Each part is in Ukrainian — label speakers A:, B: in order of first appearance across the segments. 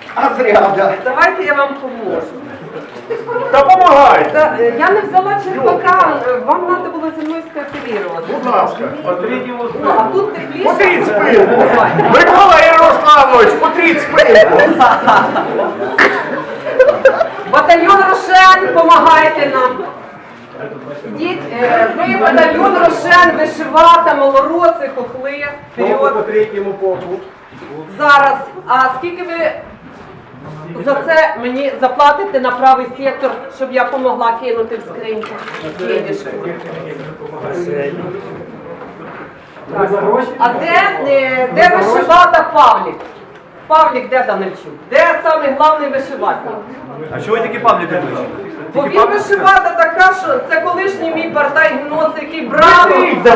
A: А зря, да.
B: Давайте я вам поможу.
A: Допомагайте.
B: Я не взяла черпака, вам треба було зі мною скооперувати.
A: Будь ласка.
B: Ну, а тут тепліше.
A: Потріть спинку. Микола Ярославович, потріть спинку.
B: Батальйон Рошен, помагайте нам. Ідіть, ви батальйон Рошен, вишивата, малороси, хохли. Вперед.
A: По третьому боку.
B: Зараз. А скільки ви за це мені заплатите на правий сектор, щоб я помогла кинути в скриньку? Денежку. А де вишивата Павлік? Павлік де Данильчук? Де самий головний вишивальник?
C: А чого ви такі пабліки пишете?
B: Бо він вишивата така, що це колишній мій партай гнос, який браво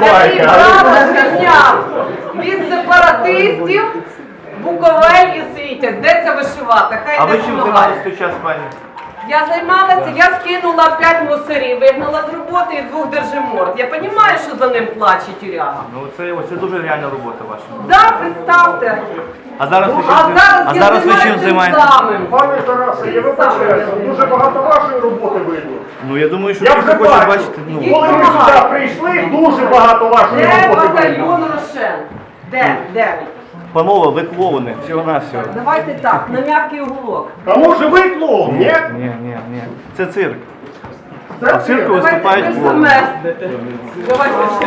B: звільняв від сепаратистів Буковель і Світязь. Де ця вишивата? Хай
C: А
B: не
C: ви чим
B: допомагає.
C: займалися в той час, пані?
B: Я займалася, я скинула 5 мусорів, вигнала з роботи і 2 держиморд. Я розумію, що за ним плаче тюряга.
C: Ну це дуже реальна робота ваша.
B: Да, представте.
C: А зараз ви
B: А
C: чим,
B: зараз я
C: чим
B: займаюся
C: займаєтесь?
B: самим.
A: Пане Тарасе, я вибачаюся, дуже багато вашої роботи видно.
C: Ну я думаю, що
A: Я
C: ви
A: вже
C: хочете
A: бачу.
C: бачити. Ну,
A: Коли ви сюди прийшли, дуже багато вашої
B: Де
A: роботи видно.
B: батальйон Рошен? Де? Де?
C: панове, ви клоуни, всього-навсього.
B: Давайте так, на м'який уголок.
A: А може ви клоун, ні?
C: Ні. Це цирк.
A: Це
C: А в цирку
A: цирк.
C: виступають
B: Давайте
C: клоуни.
B: заместите. Давайте ще.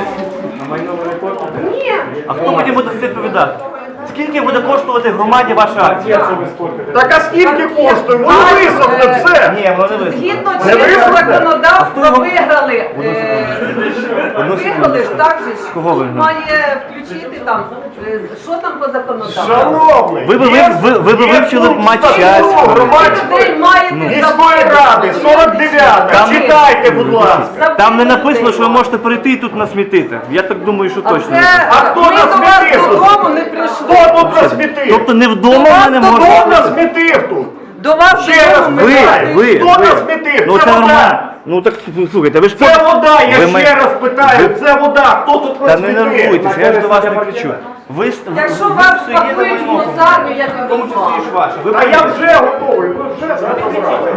B: Ні.
C: А хто мені буде це відповідати? Скільки буде коштувати громаді ваша акція?
A: Так а скільки коштує? Воно висохне все.
C: Ні, воно не висить.
B: Згідно
A: Не
B: чинного
A: висохне?
B: законодавства виграли. Виграли ж так же ж.
C: Кого
B: Суд
C: виграли?
B: має включити там. Що там по законодавству?
A: Шановний,
C: Ви би вивчили б матч
B: Скільки
C: Часького.
B: людей маєте
A: міської ради, 49,
C: Там-
A: читайте, будь ласка.
C: Там не написано, що ви можете прийти і тут насмітити. Я так думаю, що
B: А
C: точно.
B: це
A: А хто
B: ми
A: нас
B: до вас
A: смітив?
B: додому не прийшли.
A: Хто тут насмітив?
C: Тобто не вдома
B: До вас
C: мене
B: додому
C: можна.
A: Хто насмітив тут?
B: До вас
A: Ще раз
B: додому ми
A: питаю,
C: ви.
A: хто насмітив?
C: Ну
A: Це
C: це нормально.
A: вода.
C: Ну так слухайте, ви ж
A: Це вода, я
C: Ви
A: ще раз питаю, це вода, хто тут
C: Та не
A: насмітив?
C: нервуйтеся, я ж до вас не кричу. Ви
B: Якщо вас пакують в мусарню, я
C: в
B: тобі
C: тому числі і ж
B: знаю.
C: ваше. Ви
A: А я вже готовий, ви вже розібрали.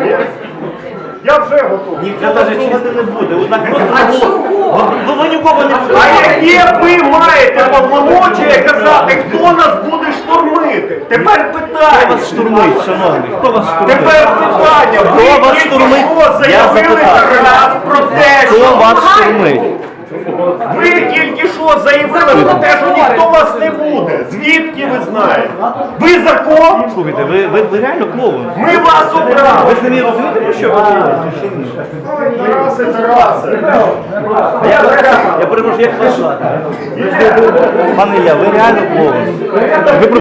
A: Я вже готовий.
C: ніхто навіть чисти не буде. Однак
B: А
C: просто
B: чого?
C: ви нікого не
A: А
C: будете.
A: яке ви маєте повномочія казати, хто нас буде штурмити? Тепер
C: Хто
A: питання.
C: вас штурмить, шановний? Хто вас штурмить?
A: Тепер питання.
C: Хто
A: Ви
C: вас
A: тільки
C: штурмить?
A: що
C: Я
A: заявили
C: запитав.
A: раз про те,
C: Хто
A: що
C: вас штурмить?
A: ви тільки що заявили про те, що ніхто вас не буде. Звідки ви знаєте? Ви закон?
C: Слухайте, ви реально клоун.
A: Ми вас обрали.
C: Ви самі розумієте, про що ви говорите? Чи ні?
A: Тарасе.
C: Я перепрошую, як вас звати? Пане Ілля, ви реально клоун. Ви